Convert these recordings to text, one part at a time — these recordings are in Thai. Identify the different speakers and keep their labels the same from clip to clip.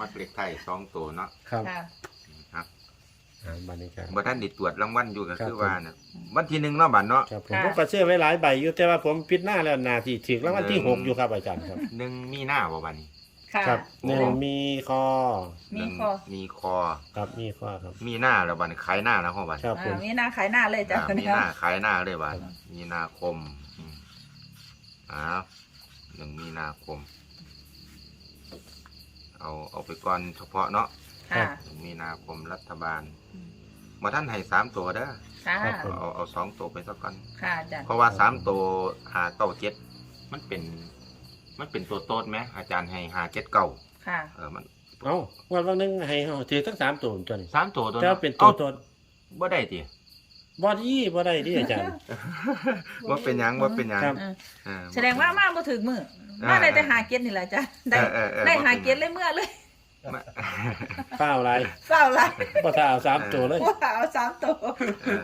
Speaker 1: มักเลขไทย2ตัวเนาะ
Speaker 2: ครับ
Speaker 3: ค่ะ
Speaker 1: ครับ
Speaker 2: บัตรนี้ครับ
Speaker 1: บ่ทันได้ตรวจรางวัลอยู่ก็
Speaker 2: ครับ
Speaker 1: คือว่าน่ะวันที่1เนาะบัดเนาะ
Speaker 2: ครับผมก็เชื่อไว้หลายใบอยู่แต่ว่าผมพิจารณาแล้วนาที่ถึงแล้ววันที่6อยู่ครับอาจารย์ครับ
Speaker 1: 1มีหน้าบ่บัดนี้
Speaker 3: ค่ะ
Speaker 2: ครับ1มีคอ
Speaker 3: มีคอ
Speaker 1: มีคอ
Speaker 2: ครับมีข้อครับ
Speaker 1: มีหน้าแล้วบัดนี้ขายหน้าแล้วพ่อบัด
Speaker 2: ครับผม
Speaker 3: มีหน้าขายหน้าเลยจ้ะ
Speaker 1: มีหน้าขายหน้าเลยบัดมีนาคมอ้าว1มีนาคมเอาไปก่อนเฉพาะเนาะ
Speaker 3: ค่ะ
Speaker 1: 1มีนาคมรัฐบาลบ่ทันให้3ตัวเด้อ
Speaker 3: ค่ะ
Speaker 1: เอา2ตัวไปซะก่อน
Speaker 3: ค่ะอาจารย์
Speaker 1: เพราะว่า3ตัว597มันเป็นตัวโต๊ดไหมอาจารย์ให้579
Speaker 3: ค่ะ
Speaker 1: มัน
Speaker 2: เอ้าวันนึงให้เฮาถือทั้ง3ตัวตัวนี้
Speaker 1: 3ตัวตัว
Speaker 2: แต่ว่าเป็นตัวตน
Speaker 1: บ่ได้ติ
Speaker 2: บ่ได้ดิอาจารย์
Speaker 1: ว่าเป็นหยังว่าเป็นหยัง
Speaker 2: ครับ
Speaker 3: แสดงว่ามาบ่ถึงมือมาได้แต่หาเก็ตนี่แหละจ้ะได้ได้หาเก็ตเลยเมื่อเลย
Speaker 1: มา
Speaker 2: เปล่าอะไร
Speaker 3: เศร้าไร
Speaker 2: บ่ถ้าเอา3ตัวเลย
Speaker 3: ว่าเอา3ตัว
Speaker 1: เออ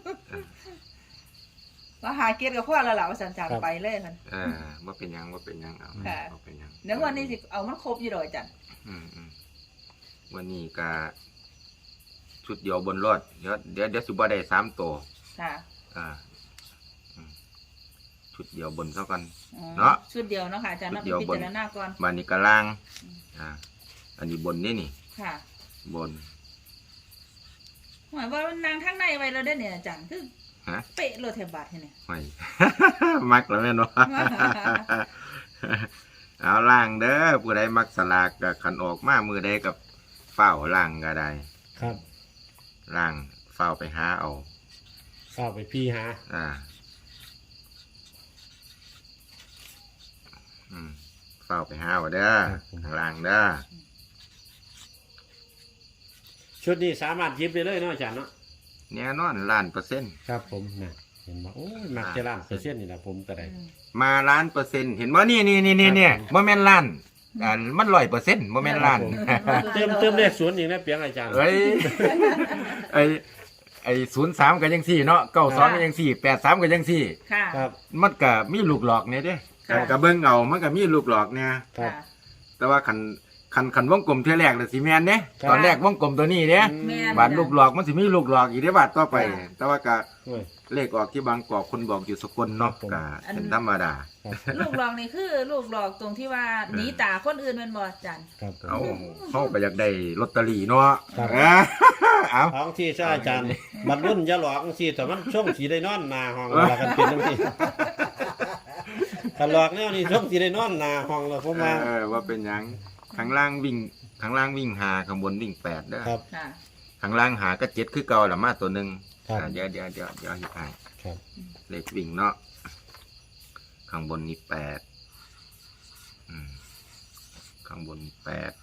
Speaker 3: ว่าหาเก็ตกับพ่อแล้วล่ะว่าสันจากไปเลยมัน
Speaker 1: ว่าเป็นหยังว่าเป็นหยังเอา
Speaker 3: ค่ะ
Speaker 1: ว่าเป็นหยัง
Speaker 3: เดี๋ยววันนี้สิเอามันครบอยู่ดอกจ้ะ
Speaker 1: อืมวันนี้ก็ชุดเดียวบนรถเดี๋ยวสิบ่ได้3ตัว
Speaker 3: ค่ะ
Speaker 1: อ่าชุดเดียวบนเท่ากัน
Speaker 3: อ๋อ
Speaker 1: เนาะ
Speaker 3: ชุดเดียวเนาะค่ะอาจารย์นับ
Speaker 1: ชุดเดียว
Speaker 3: พิ
Speaker 1: บน
Speaker 3: จารณาก่อน
Speaker 1: มานี่ก็ล่างอันนี้บนนี่
Speaker 3: ค่ะ
Speaker 1: บน
Speaker 3: หมายว่ามันนางทั้งในไว้แล้วได้อเนี่ยอาจารย์คือ
Speaker 1: ฮะ
Speaker 3: เป๊ะโลเทบาทเนี่ย
Speaker 1: ไม่ มักแล้วแม่นบ่ เอาล่างเด้อผู้ใดมักสลากก็ขันออกมามือใดกับเฝ้าล่างก็ได้
Speaker 2: ครับ
Speaker 1: ล่างเฝ้าไปหาเอา
Speaker 2: เข้าไปพี่หา
Speaker 1: เฝ้าไปหาเอาเด้อข้างล่างเด้อ
Speaker 2: ชุดนี้สามารถหยิบได้เลยเนาะอาจารย์เนาะ
Speaker 1: แน่นอน1,000,000%
Speaker 2: ครับผมนะเห็นบ่โอ้ยมักจะล้านเปอร์เซ็นต์นี่ล่ะผมก็ได้
Speaker 1: มา1,000,000%เห็นบ่นี่บ่แม่นล้านมัน100%บ่แม่นล้าน
Speaker 2: เติมเลข0อีกนะเปียงอาจารย์
Speaker 1: เฮ้ยไอ้03ก็จังซี่เนาะ92ก็จังซี่83ก็จังซี่
Speaker 3: ค่ะ
Speaker 2: ครับ
Speaker 1: มันก็มีลูกหลอกเนี่ยเด้
Speaker 3: ค่ะ
Speaker 1: ก็เบิ่งเอามันก็มีลูกหลอกเนี่ย
Speaker 2: ครับ
Speaker 1: แต่ว่าคันวงกลมเทื่อแรกน่ะสิแม่นเด้
Speaker 2: ครับ
Speaker 1: ตอนแรกวงกลมตัวนี้เด้
Speaker 3: แม่น
Speaker 1: บาดลูกหลอกมันสิมีลูกหลอกอีกเด้บาดต่อไป
Speaker 3: ค่ะ
Speaker 1: แต่ว่าก็
Speaker 2: โอ้ย
Speaker 1: เลขออกที่บางกอกคนบอกอยู่สกลเนาะ
Speaker 2: ครับผม
Speaker 1: ก็เป็นธรรมดา
Speaker 2: ครับ
Speaker 3: ลูกหลอกนี่คือลูกหลอกตรงที่ว่าหนีตาคนอื่นแมันบ่อาจารย์
Speaker 2: ครับผม
Speaker 1: เอาเฮาก็อยากได้ลอตเตอรี่เนาะ
Speaker 2: ครับ
Speaker 1: เอา
Speaker 2: ท้องที่ใช่อาจารย์บัดรุ่นอย่าหลอกจังซี่แต่มันช่วงสิได้นอนหน้าห้องว่ากันเป็นจังซี่ถ้าหลอกแนวนี้ช่วงสิได้นอนหน้าห้องแล้วผมว่า
Speaker 1: ว่าเป็นหยังข้างล่างวิ่ง5ข้างบนวิ่ง8เด้อ
Speaker 2: ครับ
Speaker 3: ค่ะ
Speaker 1: ข้างล่างหาก็7คือเก่าละมาตัวหนึง
Speaker 2: ครับ
Speaker 1: เดี๋ยวเฮ็ดให้
Speaker 2: ครับ
Speaker 1: เลขวิ่งเนาะข้างบนนี่8ข้างบนนี่8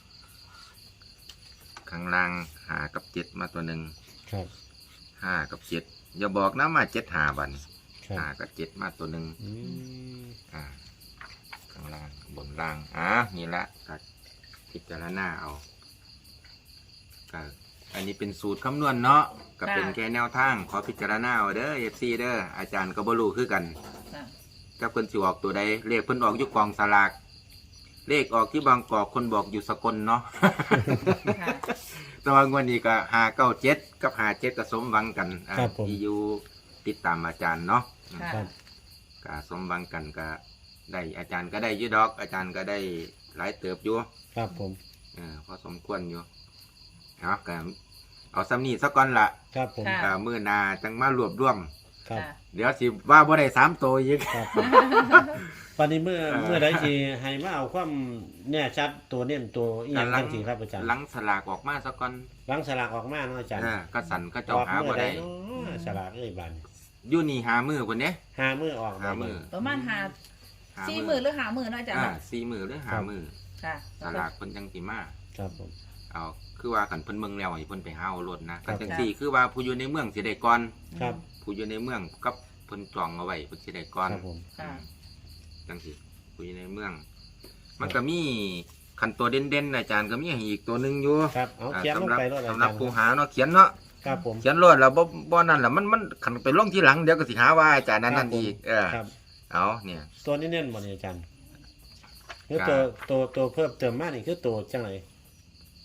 Speaker 1: ข้างล่างหากับ7มาตัวหนึ่ง
Speaker 2: ครับ
Speaker 1: 5กับ7อย่าบอกนะมา7หาบัดน
Speaker 2: ครับ
Speaker 1: 5กับ7มาตัวหนึ่ง
Speaker 2: อืม
Speaker 1: ข้างล่างบนล่างนี่ละก็พิจารณาเอาก็อันนี้เป็นสูตรคำนวณเนาะก็เป็นแค่แนวทางขอพิจารณาเอาเด้อ FC เด้ออาจารย์ก็บ่รู้คือกัน
Speaker 3: ค่ะ
Speaker 1: ถ้าเพิ่นสิออกตัวใดเลขเพิ่นออกอยู่กองสลากเลขออกที่บางกอกคนบอกอยู่สกลเนาะ
Speaker 3: ค่ะ
Speaker 1: แต่ว่างวดนี้ก็597กับ57ก็สมหวังกันที่อยู่ติดตามอาจารย์เนาะ
Speaker 3: ค่ะ
Speaker 2: ครับ
Speaker 1: ก็สมหวังกันก็ได้อาจารย์ก็ได้อยู่ดอก อาจารย์ก็ได้หลายเติบอยู่
Speaker 2: ครับผม
Speaker 1: พอสมควรอยู่เอาก็เอาซ้ำนี้ซะก่อนละ
Speaker 2: ครับผม
Speaker 3: ค่ะ
Speaker 1: มื้อหน้าจังมารวบรวม
Speaker 2: ครับ
Speaker 3: ค่ะ
Speaker 1: เดี๋ยวสิว่าบ่ได้3ตัวอีก
Speaker 2: ครับผมวันนี้เมื่อใดสิให้มาเอาความแน่ชัดตัวเน้นตัวอีหยังจังซี่ครับอาจารย์
Speaker 1: หลังสลากออกมาซะก่อน
Speaker 2: หลังสลากออกมาเนาะอาจารย์
Speaker 1: ก็สั่นก็
Speaker 2: อ
Speaker 1: เจ้า
Speaker 2: อก
Speaker 1: หา
Speaker 2: เมื่
Speaker 1: บ่
Speaker 2: อใด
Speaker 1: ได้
Speaker 2: เนาะสลากเอ้ยบาดนี้
Speaker 1: อยู่นี่หามือพุ่นเด้
Speaker 2: หามื้อออก
Speaker 1: หามือ
Speaker 3: ประมาณ
Speaker 1: หา
Speaker 3: 4มื้อหรือ5มื้อเนาะอาจารย์เนาะ
Speaker 1: 4 มือหรือหามือ
Speaker 3: ค่ะ
Speaker 1: สลากเพิ่นจังสิมา
Speaker 2: ครับผม
Speaker 1: เอาคือว่าคันเพิ่นเมืองแล้วให้เพิ่นไปหาเอารถนะ
Speaker 2: ครั
Speaker 1: ก็
Speaker 2: บ
Speaker 1: จังซี่คือว่าผู้อยู่ในเมืองสิได้ก่อน
Speaker 2: ครับ
Speaker 1: ผู้อยู่ในเมืองกับเพิ่นจองเอาไว้เพิ่นสิได้ก่อน
Speaker 2: ครับผม
Speaker 3: ค่ะ
Speaker 1: จังซี่ผู้อยู่ในเมือง มันก็มีคันตัวเด่นๆอาจารย์ก็มีให้อีกตัวหนึงอยู่
Speaker 2: ครับเอาเขียนลงไปรถอา
Speaker 1: สำหรั
Speaker 2: จา
Speaker 1: บ
Speaker 2: รย์
Speaker 1: ผู้หาเนาะเขียนเนาะ
Speaker 2: ครับผม
Speaker 1: เขียนรถแล้วบ่นั่นล่ะมันคันไปลงทีหลังเดี๋ยวก็สิหาว่าอาจารย์นั้นนั่นอีก
Speaker 2: ครับ
Speaker 1: เอาเนี่ย
Speaker 2: ตัวนี้เน้นบ่นี่อาจารย์คือ
Speaker 1: ครับ
Speaker 2: ตัวเพิ่มเติมมานี่คือตัวจังได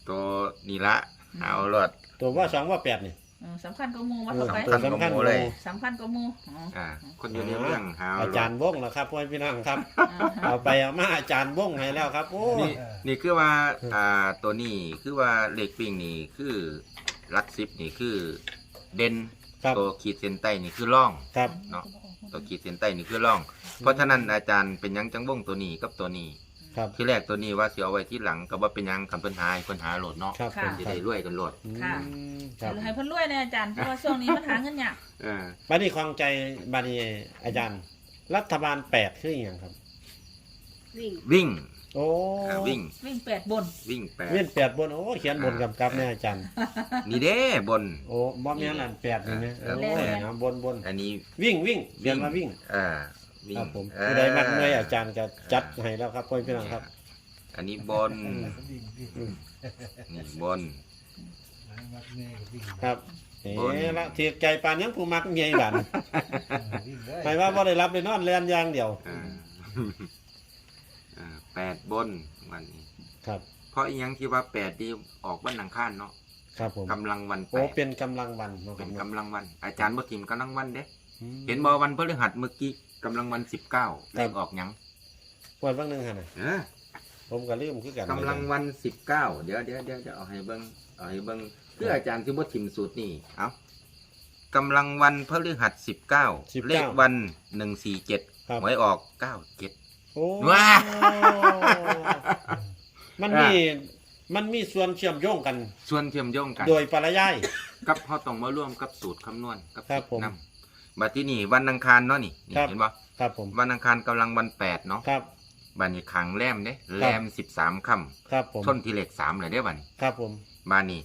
Speaker 1: ตัวนี่ละเอารถ
Speaker 2: ตัวว่า2ว่า8นี่
Speaker 3: สำคัญก็มูว่าต่อไป
Speaker 2: ตัวสำคัญ
Speaker 1: เลย
Speaker 3: สำคัญก็มู
Speaker 1: คนอยู่ในเรื่องหา
Speaker 2: อาจารย์วงแล้วครับพ่อพี่น้องครับ เอาไปเอามาอาจารย์วงให้แล้วครับโอ้
Speaker 1: นี่คือว่าตัวนี้คือว่าเลขวิ่งนี่คือหลัก10นี่คือเด่น
Speaker 2: ครับ
Speaker 1: ตัวขีดเส้นใต้นี่คือร่อง
Speaker 2: ครับ
Speaker 1: เนาะตัวขีดเส้นใต้นี่คือร่อง เพราะฉะนั้นอาจารย์เป็นหยังจังวงตัวนี้กับตัวนี้
Speaker 2: ครับ
Speaker 1: ที่แรกตัวนี้ว่าสิเอาไว้ที่หลังก็ว่าเป็นหยังคำปัญหาให้ปัญหาโหลดเนาะ
Speaker 2: ครับผม
Speaker 1: จะได้รวยกันโหลด
Speaker 3: ค่ะ
Speaker 2: ครับ
Speaker 3: ให้เพิ่นรวยนะอาจารย์เพราะว่าช่วงนี้มันหาเงินยาก
Speaker 2: บัดนี้ความใจบัดนี้อาจารย์ รัฐบาล8คืออหยังครับ
Speaker 1: วิ่ง
Speaker 2: โอ้
Speaker 1: วิ่ง
Speaker 3: วิ่ง8บน
Speaker 1: วิ่งแปด
Speaker 2: เว้น8บนโอ้เขียนบนกำกับเนี่ยอาจารย์
Speaker 1: นี่เด้บน
Speaker 2: โอ้บ่แม่นอัน8นี่นะ
Speaker 1: เออ
Speaker 2: โอ้ยนะบน
Speaker 1: อันนี้
Speaker 2: วิ่งเขียนมาวิ่ง
Speaker 1: วิ่
Speaker 2: ค
Speaker 1: ง
Speaker 2: รับผมผู้ใดมักเมื่อยอาจารย์ก็จัดให้แล้วครับพ่อพี่น้องครับ
Speaker 1: อันนี้บนนี่บน
Speaker 2: ครับ
Speaker 1: บ
Speaker 2: เอ๋
Speaker 1: น
Speaker 2: ละเทียใจปานยังผู้มักเมียบันหมายว่าบ่ได้รับได้นอนเรียนอย่างเดียว
Speaker 1: 8บนวันนี้
Speaker 2: ครับ
Speaker 1: เพราะอีหยังที่ว่า8ที่ออกวันอังคารเนาะ
Speaker 2: ครับผม
Speaker 1: กำลังวัน
Speaker 2: โอ้
Speaker 1: 8
Speaker 2: เป็นกำลังวันเนาะค
Speaker 1: เป็
Speaker 2: รับ
Speaker 1: น
Speaker 2: เนาะ
Speaker 1: กำลังวัน อาจารย์บ่ทิมกำลังวันเด้
Speaker 2: อืม
Speaker 1: เห็นบ่วันพฤหัสเมื่อกี้กำลังวัน19เลขออกหยัง
Speaker 2: ปวดบ้างหนึงหั่นน่ะ
Speaker 1: เออ
Speaker 2: ผมก็ลืมคือกัน
Speaker 1: กำลังวัน19เดี๋ยวเอาให้เบิ่งเพื่ออาจารย์ที่บ่ทิมสูตรนี่เอากำลังวันพฤหัส19เลขวัน147
Speaker 2: ครับ
Speaker 1: หวยออก97
Speaker 2: โอ้
Speaker 1: ว้า
Speaker 2: มันมีส่วนเชื่อมโยงกัน
Speaker 1: ส่วนเชื่อมโยงกัน
Speaker 2: โดยปริยาย
Speaker 1: กับเฮาต้องมาร่วมกับสูตรคำนวณกับ
Speaker 2: ครับผม
Speaker 1: นำบัดที่นี่วันอังคารเนาะนี่
Speaker 2: ครับ
Speaker 1: เห็นบ่
Speaker 2: ครับผม
Speaker 1: วันอังคารกำลังวัน8เนาะ
Speaker 2: ครับ
Speaker 1: บัดนี้ขังแรมเด้แรม13ค่ำ
Speaker 2: ครับผม
Speaker 1: ชนที่เลข3เลยเด้บัดนี้
Speaker 2: ครับผม
Speaker 1: บ้านนี้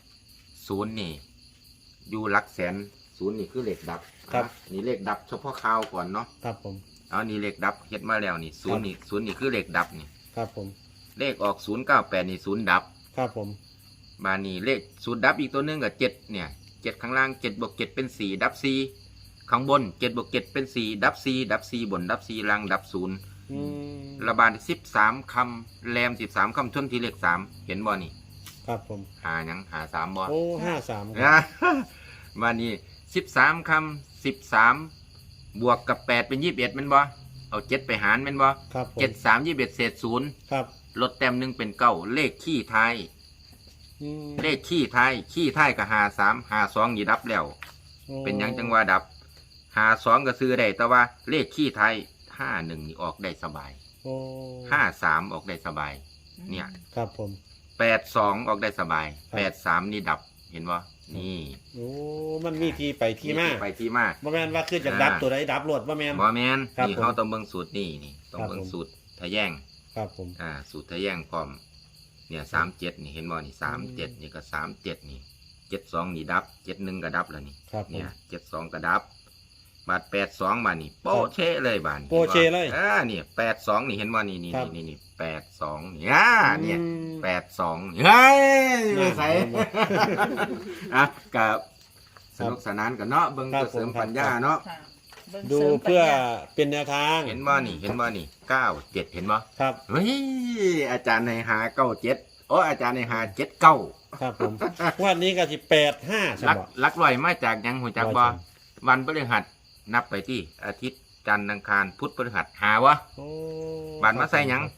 Speaker 1: 0นี่อยู่หลักแสน0นี่คือเลขดับนี่เลขดับเฉพาะข่าวก่อนเนาะ
Speaker 2: ครับผม
Speaker 1: เอานี่เลขดับเฮ็ดมาแล้วนี่0นี่0นี่คือเลขดับนี่
Speaker 2: ครับผม
Speaker 1: เลขออก098นี่0ดับ
Speaker 2: ครับผม
Speaker 1: บ้านนี้เลข0ดับอีกตัวหนึงก็7เนี่ย7ข้างล่าง7บวก7เป็น4ดับ4ข้างบน7บวก7เป็น4ดับ4ดับ4บนดับ4ล่างดับ0
Speaker 2: อืม
Speaker 1: ระบาด13คำแรม13คำชนที่เลข3เห็นบ่นี่
Speaker 2: ครับผม
Speaker 1: หาหยังหา3บ่
Speaker 2: โอ้53ครับ
Speaker 1: นะ มานี่13คำ13บวกกับ8เป็น21แม่นบ่เอา7ไปหารแม่นบ่
Speaker 2: ครับผม
Speaker 1: 7 3 21เศษ0
Speaker 2: ครับ
Speaker 1: ลดแต้มหนึงเป็น9เลขขี้ท้าย
Speaker 2: อืม
Speaker 1: เลขขี้ท้ายก็53 52นี่ดับแล้ว
Speaker 2: โอ้
Speaker 1: เป็นหยังจังว่าดับ52ก็ซื้อได้แต่ว่าเลขขี้ท้าย51นี่ออกได้สบาย
Speaker 2: โอ้
Speaker 1: 53ออกได้สบาย เนี่ย
Speaker 2: ครับผม
Speaker 1: 82ออกได้สบาย
Speaker 2: ครับ
Speaker 1: 83นี่ดับเห็นบ่นี่
Speaker 2: โอ้มันมีที่ไปที่มา
Speaker 1: ไปที่มา
Speaker 2: บ่แม่นว่าคือจากดับตัวใดดับรวดบ่แม่น
Speaker 1: บ่แมน
Speaker 2: ครับ
Speaker 1: นี่
Speaker 2: ผม
Speaker 1: เขาต้องเบิ่งสูตรนี่ต้อง
Speaker 2: ครับ
Speaker 1: เบิ่ง
Speaker 2: ผม
Speaker 1: สูตรทะแยง
Speaker 2: ครับผม
Speaker 1: สูตรทะแยงพร้อมเนี่ย37นี่เห็นบ่นี่37นี่ก็37นี่72นี่ดับ71ก็ดับแล้วนี่
Speaker 2: ครับผม
Speaker 1: เนี่ย72ก็ดับบาท82มานี่โป๊ะเชะเลยบาทนี่
Speaker 2: โป๊ะเชะเลย
Speaker 1: นี่82นี่เห็นบ่นี่นี่
Speaker 2: ครับ
Speaker 1: นี่82นี่เนี่ย
Speaker 2: อืม
Speaker 1: 82เฮ้ย
Speaker 2: น่า
Speaker 1: ใส่
Speaker 2: เห็นบ่
Speaker 1: กับสนุกสนานกันเนาะเบิ่ง
Speaker 2: ครับ
Speaker 1: เพื่อเสริม
Speaker 2: ผมครับ
Speaker 1: ปัญญาเนาะ
Speaker 3: ค่ะเบิ่ง
Speaker 2: ดู
Speaker 3: สริมปัญญา
Speaker 2: เพื่อเป็นแนวทาง
Speaker 1: เห็นบ่นี่97เห็นบ่
Speaker 2: ครับ
Speaker 1: เฮ้ยอาจารย์ในหา97โอ้อาจารย์ในหา79
Speaker 2: ครับผมวันนี้ก็สิ85ใช่
Speaker 1: ลัก
Speaker 2: บ่
Speaker 1: ลักลอยมาจากหยังหูจักบ่
Speaker 2: ร้อยจัง
Speaker 1: วันพฤหัสนับไปที่อาทิตย์จันทร์อังคารพุธพฤหัสหาวะ
Speaker 2: โอ้
Speaker 1: บันมาใส่หยัง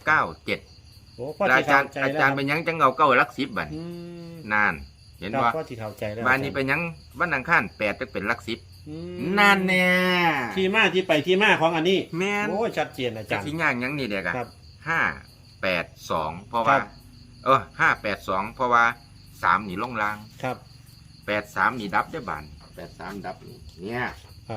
Speaker 1: 97
Speaker 2: โอ้พ่อ
Speaker 1: แล้ว
Speaker 2: ที่
Speaker 1: อาจารย์
Speaker 2: เข้าใจ
Speaker 1: อา
Speaker 2: แล้ว
Speaker 1: จารย์เป็นหยังจังเอาเก้าหลัก10บัด
Speaker 2: อืม
Speaker 1: นาน เห็น
Speaker 2: ครับ
Speaker 1: บ่
Speaker 2: พ่อที่เข้าใจแล้ว
Speaker 1: บ้านนี้เป็นหยังวันอังคาร8จะเป็นหลัก10
Speaker 2: อืม
Speaker 1: นั่นแน่
Speaker 2: ที่มาที่ไปที่มาของอันนี้
Speaker 1: แม่น
Speaker 2: โอ้ชัดเจนอา
Speaker 1: จะ
Speaker 2: จารย์
Speaker 1: สิย่างหยังนี่เด็กอะ
Speaker 2: ครับ
Speaker 1: 582เพราะ
Speaker 2: ครั
Speaker 1: ว่า
Speaker 2: บ
Speaker 1: 582เพราะว่า3นี่ลงล่าง
Speaker 2: ครับ
Speaker 1: 83นี่ดับได้อบาน83ดับนี่เนี่ย
Speaker 2: ครับ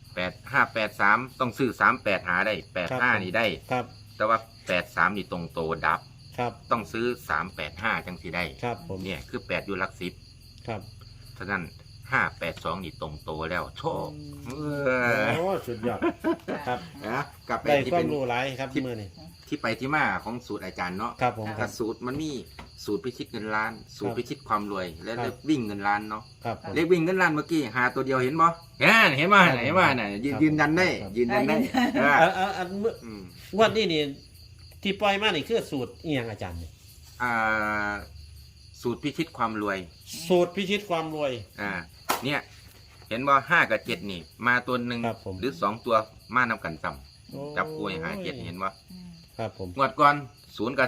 Speaker 1: 8583ต้องซื้อ38หาได้
Speaker 2: ครับ
Speaker 1: 85นี่ได้
Speaker 2: ครับ
Speaker 1: แต่ว่า83นี่ตรงโตดับ
Speaker 2: ครับ
Speaker 1: ต้องซื้อ385จังสิได้
Speaker 2: ครับผม
Speaker 1: เนี่ยคือ8อยู่หลัก10
Speaker 2: ครับ
Speaker 1: ฉะนั้น582นี่ตรงโตแล้วโชค
Speaker 2: โอ้สุดยอดครับ
Speaker 1: นะกลับไป
Speaker 2: ได้
Speaker 1: ที่
Speaker 2: ความ
Speaker 1: เป็น
Speaker 2: รู้หลายครับมื้อนี้
Speaker 1: ที่ไปที่มาของสูตรอาจารย์เนาะ
Speaker 2: ครับผมค
Speaker 1: ถ้า
Speaker 2: รับ
Speaker 1: สูตรมันมีสูตรพิชิตเงินล้าน สูตรพิชิตความรวย และ
Speaker 2: ครับ
Speaker 1: เลขวิ่งเงินล้านเนาะ
Speaker 2: ครับผม
Speaker 1: เลขวิ่งเงินล้านเมื่อกี้หาตัวเดียวเห็นบ่เห็นบ่เห็นบ่น่ะยืนยันได้
Speaker 2: ครับ
Speaker 1: ยืนยันได้เออ
Speaker 2: อันมื้อ
Speaker 1: อืม
Speaker 2: งวดนี้นี่ที่ปล่อยมานี่คือสูตรอีหยังอาจารย์นี่
Speaker 1: อ่าสูตรพิชิตความรวย
Speaker 2: สูตรพิชิตความรวย
Speaker 1: เนี่ยเห็นว่า5 กับ 7นี่มาตัวหนึ่ง
Speaker 2: ครับผม
Speaker 1: หรือ2ตัวมานำกันต่ำจับกล้วยหา7เห็นว่า
Speaker 3: อืม
Speaker 2: ครับผม
Speaker 1: งวดก่อน0 กับ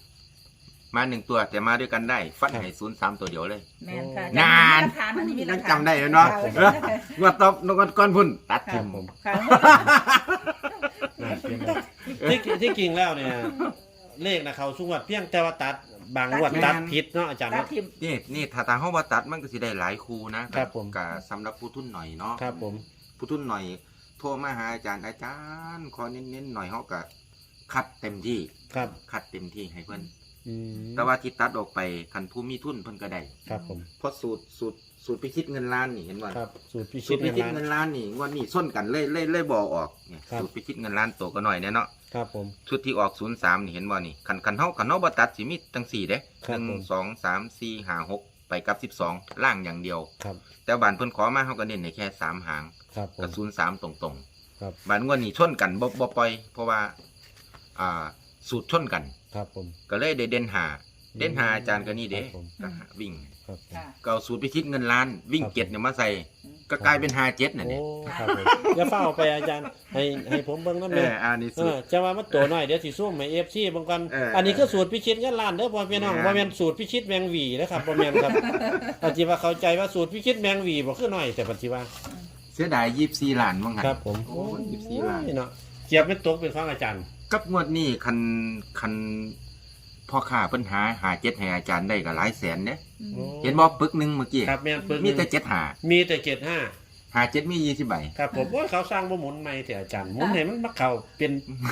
Speaker 1: 3มา1ตัวแต่มาด้วยกันได้ฟันให้0 3ตัวเดียวเลย
Speaker 3: แม่นค่ะ
Speaker 1: นาน
Speaker 3: มีหลักฐานอันนี้มีหลั
Speaker 1: ยั
Speaker 3: ก
Speaker 1: ง
Speaker 3: ฐาน
Speaker 1: จำได้เลยเนาะ
Speaker 3: ค่ะ
Speaker 1: งวดต่องวดก่อนพุ่นตัด
Speaker 2: ครั
Speaker 1: ทิ
Speaker 2: บ
Speaker 1: ม
Speaker 2: ผม
Speaker 3: ค่ะ
Speaker 2: น่าเชื่อมากที่จริงแล้วเนี่ยเลขนะเขาสุงวัดเพียงแต่ว่าตัดบางงวดตัดผิดเนาะอาจารย์
Speaker 3: ตัด
Speaker 2: เนาะ
Speaker 3: ทิม
Speaker 1: นี่ถ้าทางห้องว่าตัดมันก็สิได้หลายครูนะครับ
Speaker 2: ผม
Speaker 1: กับสำหรับผู้ทุนหน่อยเนาะ
Speaker 2: ครับผม
Speaker 1: ผู้ทุนหน่อยโทรมาหาอาจารย์ขอเน้นๆหน่อยเขาก็คัดเต็มที่
Speaker 2: ครับ
Speaker 1: คัดเต็มที่ให้เพิ่น
Speaker 2: อืม
Speaker 1: แต่ว่าที่ตัดออกไปคันผู้มีทุนเพิ่นก็ได้
Speaker 2: ครับผม
Speaker 1: เพราะสูตรพิชิตเงินล้านนี่เห็นว่า
Speaker 2: ครับสูตรพิ
Speaker 1: สู
Speaker 2: ชิ
Speaker 1: ต
Speaker 2: ต
Speaker 1: รพิชิต
Speaker 2: เงิ
Speaker 1: เงิ
Speaker 2: น
Speaker 1: น
Speaker 2: ล้าน
Speaker 1: ล้านนี่งวดนี้ส้นกันเลยบ่ออกเนี่ย
Speaker 2: ครับ
Speaker 1: สูตรพิชิตเงินล้านตัวก็หน่อยเนี่ยเนาะ
Speaker 2: ครับผม
Speaker 1: ชุดที่ออก03นี่เห็นบ่นี่คันเฮาบ่ตัดสิมีจัง4เด้
Speaker 2: ครับผม
Speaker 1: 1 2 3 4 5 6ไปกับ12ล่างอย่างเดียว
Speaker 2: ครับ
Speaker 1: แต่บ้านเพิ่นขอมาเฮาก็เน้นให้แค่3หาง
Speaker 2: ครับผ
Speaker 1: กับ
Speaker 2: ม
Speaker 1: 03ตรง
Speaker 2: ครับ
Speaker 1: ๆบ้านงวดนี้ชนกันบ่ปล่อย เพราะว่าสูตรชนกัน
Speaker 2: ครับผม
Speaker 1: ก็เลยได้เด่นหาอาจารย์ก็นี่เด้
Speaker 2: ครับผม
Speaker 1: ก็หาวิ่ง
Speaker 2: ครับผม
Speaker 3: ค่ะ
Speaker 1: ก็เอาสูตรพิชิตเงินล้านวิ่ง
Speaker 2: ครับ
Speaker 1: เจ็ดเนี่ยมาใส่ก็กลายเป็น57น่ะ
Speaker 2: โอ้
Speaker 1: เนี่ย
Speaker 2: ครับผมอย่าเฝ้าไปอาจารย์ให้ผมเบิ่งน้ำ
Speaker 1: เอ
Speaker 2: แม่
Speaker 1: อันนี้สูตร
Speaker 2: จะว่ามันตัวน้อยเดี๋ยวสิซุ่มให้ FC บางกัน
Speaker 1: เอออั
Speaker 2: อันนี้คือสูตรพิชิตเงินล้านเด้อพ่อพี่น้อง
Speaker 1: แม่น
Speaker 2: บ่แม่นสูตรพิชิตแมงหวีนะครับบ่แม่นครับอาจสิว่าเข้าใจว่าสูตรพิชิตแมงหวีบ่คือน้อยแต่ปัจจุบัน
Speaker 1: เสียดาย24ล้านว่างั้น
Speaker 2: ครับผม
Speaker 1: โอ้24ล้าน
Speaker 2: เนาะเกียบเป็นตกเป็นของอาจารย์
Speaker 1: กับงวดนี้คันพ่อค้าเพิ่นหา7ให้อาจารย์ได้ก็หลายแสนเด้
Speaker 3: อืม
Speaker 1: เห็นบ่ปึกหนึงเมื่อกี้
Speaker 2: ครับแม่นปึก
Speaker 1: มีแต่7หา
Speaker 2: มีแต่75
Speaker 1: หา7มี20ใบ
Speaker 2: ครับผมว่าเขาสร้างบ่หมุนใหม่แต่อาจารย์หมุนให้มันมาเข้าเป็น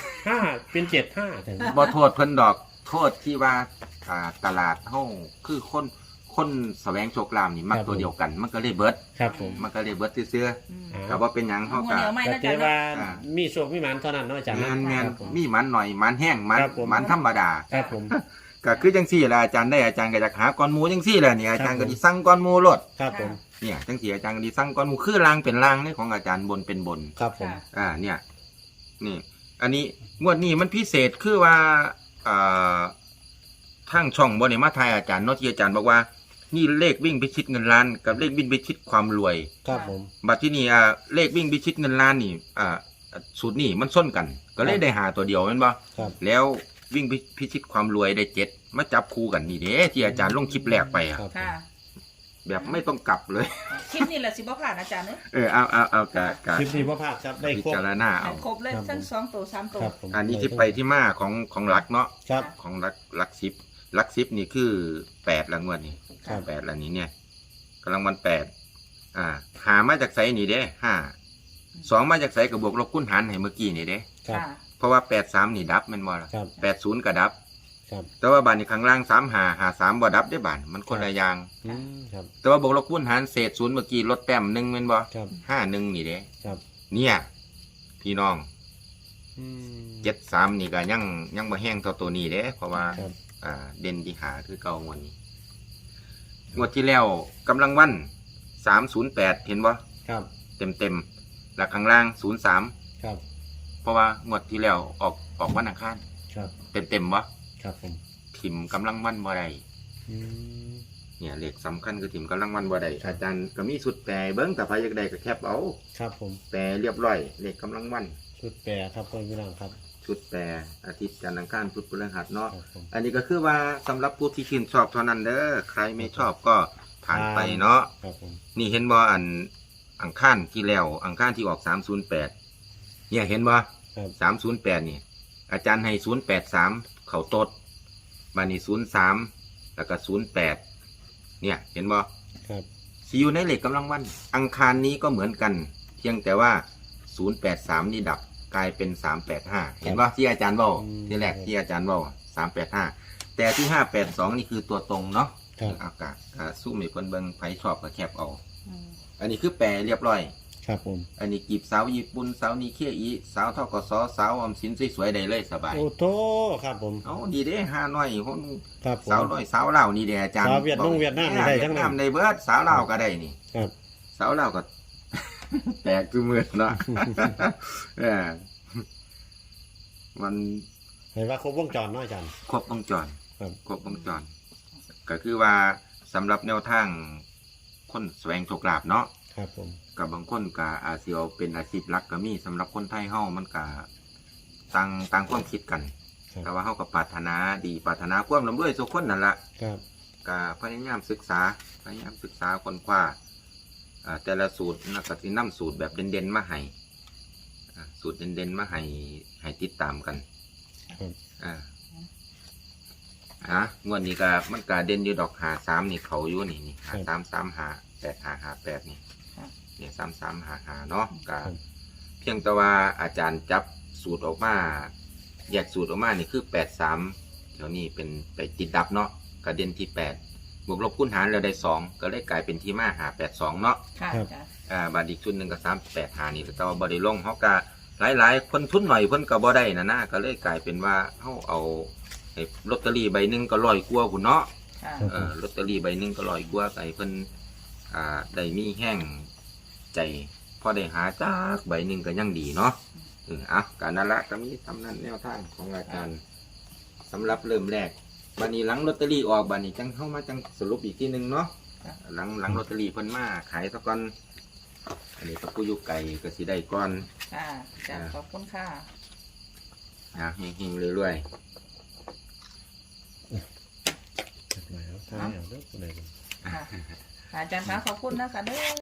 Speaker 2: 5เป็น75ถึง
Speaker 1: บ่โทษเพิ่นดอกโทษที่ว่าตลาดเฮาคือคนแสวงโชคลาภนี่มักตัวเดียวกัน มันก็เลยเบิด
Speaker 2: ครับผม
Speaker 1: มันก็เลยเบิดซื่อ
Speaker 3: อืม
Speaker 1: ๆก็บ่เป็นหยังเฮา
Speaker 3: หัว
Speaker 1: ก็
Speaker 3: เหนียวไหม
Speaker 2: ก็
Speaker 3: นะ
Speaker 2: ถื
Speaker 3: จ๊ะ
Speaker 2: อว่า
Speaker 1: อ่า
Speaker 2: มีโชคมีหมานเท่านั้นเนาะอาจารย์
Speaker 1: แม่นแม่น
Speaker 2: ครับผม
Speaker 1: มีหมันหน่อยหมันแห้งหมัน
Speaker 2: ครับผม
Speaker 1: หมันธรรมดา
Speaker 2: ครับผม
Speaker 1: ก็คือจังซี่แหละอาจารย์ได้อาจารย์ก็อยากหาก้อนหมูจังซี่แหละนี่อาจารย์ก็สิสั่งก้อนหมูโลด
Speaker 2: ครับผม
Speaker 1: เนี่ยจังซี่อาจารย์ก็สิสั่งก้อนหมูคือรางเป็นรางนี่ของอาจารย์บนเป็นบน
Speaker 2: ครับผม
Speaker 1: เนี่ยนี่อันนี้งวดนี้มันพิเศษคือว่าทางช่องบ่ได้มาทายอาจารย์เนาะที่อาจารย์บอกว่านี่เลขวิ่งพิชิตเงินล้านกับเลขวิ่งพิชิตความรวย
Speaker 2: ครับผม
Speaker 1: บัดที่นี่เลขวิ่งพิชิตเงินล้านนี่สูตรนี่มันส้นกัน ก็เลยได้หาตัวเดียวแม่นบ่
Speaker 2: ครับ
Speaker 1: แล้ววิ่งพิชิตความรวยได้7มาจับคู่กันนี่เด้ที่อาจารย์ลงคลิปแรกไปอะ
Speaker 2: ครับ
Speaker 3: ค่ะ
Speaker 1: แบบไม่ต้องกลับเลย
Speaker 3: คลิปนี้แหละสิบ่ผ่านอาจารย์เนอะ
Speaker 1: เอากะ
Speaker 2: คลิปนี้พ่อภาคครับได้
Speaker 1: พิ
Speaker 2: ครบ
Speaker 1: จารณาเอา
Speaker 3: ครบเลย
Speaker 2: ครับ
Speaker 3: ทั้ง2ตัว3ตัว
Speaker 2: ครับผม
Speaker 1: อันนี้ที่ไปที่มาของหลักเนาะ
Speaker 2: ครับ
Speaker 1: ของหลัก10นี่คือ8ละงวดนี่
Speaker 2: ครับ
Speaker 1: 8ละนี้เนี่ยกำลังวัน8หามาจากไสนี่เด้5 2มาจากไสกับบวกลบคูณหารให้เมื่อกี้นี่เด้
Speaker 2: ครับ
Speaker 3: ค่ะ
Speaker 1: เพราะว่า83นี่ดับแม่นบ่ล่ะ
Speaker 2: ครับ
Speaker 1: 80ก็ดับ
Speaker 2: ครับ
Speaker 1: แต่ว่าบานนี้ข้างล่าง3 บ่ดับได้บานมันคนละอย่าง
Speaker 2: อืมครับ
Speaker 1: แต่ว่าบวกลบคูณหารเศษ0เมื่อกี้ลดแต้ม1แม่นบ่
Speaker 2: ครับ
Speaker 1: 51นี่เด้
Speaker 2: ครับ
Speaker 1: เนี่ยพี่น้อง
Speaker 2: อืม
Speaker 1: 73นี่ก็ยังบ่แห้งเท่าตัวนี้เด้เพราะว่า
Speaker 2: ครับ
Speaker 1: เด่นที่หาคือเก่างวดนี้งวดที่แล้วกำลังวัน308เห็นบ่
Speaker 2: ครับ
Speaker 1: เต็มแล้วข้างล่าง03
Speaker 2: ครับ
Speaker 1: เพราะว่างวดที่แล้วออกวันอังคาร
Speaker 2: ครับ
Speaker 1: เต็มบ่
Speaker 2: ครับผม
Speaker 1: ถิ่มกำลังวันบ่ได้
Speaker 2: อืม
Speaker 1: เนี่ยเลขสำคัญคือถิ่มกำลังวันบ่ได้อาจารย์ก็มีสุดแปรเบิ่งแต่ใครอยากได้ก็แคปเอา
Speaker 2: ครับผม
Speaker 1: แปรเรียบร้อยเลขกำลังวัน
Speaker 2: ชุดแปรครับพ่อพี่น้องครับ
Speaker 1: ชุดแปรอาทิตย์จันทร์อังคารพุธพฤหัสเนาะ
Speaker 2: ครับผม
Speaker 1: อันนี้ก็คือว่าสำหรับผู้ที่ชื่นชอบเท่านั้นเด้อใครไม่ชอบก็ผ่านไปเนาะ
Speaker 2: ครับผม
Speaker 1: นี่เห็นบ่อังคารที่แล้วอังคารที่ออก308เนี่ยเห็นบ่
Speaker 2: ครับ
Speaker 1: 308นี่อาจารย์ให้083เข้าตดบัดนี้03แล้วก็08เนี่ยเห็นบ่
Speaker 2: ครับ
Speaker 1: สิอยู่ในเลขกำลังวันอังคารนี้ก็เหมือนกัน เพียงแต่ว่า083นี่ดับกลายเป็น385เห็นบ่ที่อาจารย์เว้าที่แรกที่อาจารย์เว้า385แต่ที่582นี่คือตัวตรงเนาะ
Speaker 2: ครับ
Speaker 1: อากาศสู้มีคนเบิ่งไผชอบก็แคบเอา
Speaker 3: อืม
Speaker 1: อันนี้คือแปรเรียบร้อย
Speaker 2: ครับผม
Speaker 1: อันนี้กีบสาวญี่ปุ่นสาวนีเคียอีสาวทกสสาวออมสินสวยๆได้เลยสบาย
Speaker 2: โอ้โถครับผม
Speaker 1: เอาดีเด้ห้าน้อยคน
Speaker 2: ครับผม
Speaker 1: สาวน้อยสาวลาวนี่เด้อาจารย์
Speaker 2: สาวเวียดนามเวียดนามนี่ได้ทั้งนั้น
Speaker 1: เวียดนามได้เบิดสาวลาวก็ได้นี่
Speaker 2: ครับ
Speaker 1: สาวลาวก็ แตกคือมือเนาะ เออมัน
Speaker 2: เห็นว่าครบวงจรเนาะอาจารย์
Speaker 1: ครบวงจร
Speaker 2: ครับ
Speaker 1: ครบวงจรก็คือว่าสำหรับแนวทางคนแสวงโชคลาภเนาะ
Speaker 2: ครับผม
Speaker 1: กับบางคนก็อาจสิเอาเป็นอาชีพหลักก็มีสำหรับคนไทยเฮามันก็ต่างความคิดกัน
Speaker 2: ครับ
Speaker 1: แต่ว่าเฮาก็ปรารถนาดีปรารถนาความร่ำรวยทุกคนนั่นล่ะ
Speaker 2: ครับ
Speaker 1: ก็พยายามศึกษาค้นคว้าแต่ละสูตรนะก็สินำสูตรแบบเด่นๆมาให้สูตรเด่นๆมาให้ติดตามกัน
Speaker 2: ครับ
Speaker 1: งวดนี้ก็มันก็เด่นอยู่ดอก53นี่เขาอยู่นี่5335 8558นี่
Speaker 3: ค่ะ
Speaker 1: เนี่ย3355เนาะก็
Speaker 2: ครับ
Speaker 1: เพียงแต่ว่าอาจารย์จับสูตรออกมาแยกสูตรออกมานี่คือ83เดี๋ยวนี้เป็นไปติดดับเนาะก็เด่นที่8บวกลบคูณหารแล้วได้2ก็เลยกลายเป็นที่มา582เนาะ
Speaker 3: ค่ะจ้ะ
Speaker 1: บาทอีกชุดหนึ่งก็385นี่แต่ว่าบ่ได้ลงเฮาก็หลายๆคนทุนหน่อยเพิ่นก็บ่ได้นะก็เลยกลายเป็นว่าเฮาเอาไอ้ลอตเตอรี่ใบหนึงก็100กว่าพุ่นเนาะ
Speaker 3: ค่ะ
Speaker 1: ลอตเตอรี่ใบหนึงก็100กว่าไอ้เพิ่นได้มีแห้งใจพอได้หาจากใบหนึงก็ยังดีเนาะการนั่นละก็มีทำนั้นแนวทางของอาจารย์สำหรับเริ่มแรกบัดนี้หลังลอตเตอรี่ออกบัดนี้จังเข้ามาจังสรุปอีกทีหนึงเนาะ หลังลอตเตอรี่เพิ่นมาขายซะก่อนอันนี้ก็ผู้อยู่ไกลก็สิได้ก่อน
Speaker 3: ค่ะจ้ะขอบคุณค่ะ
Speaker 1: เฮงๆเรื่อย
Speaker 2: จัดมาแล้วท่านเนี่ยเด้อคนไหน
Speaker 3: ค่ะอาจารย์คะขอบคุณนะคะเด้อ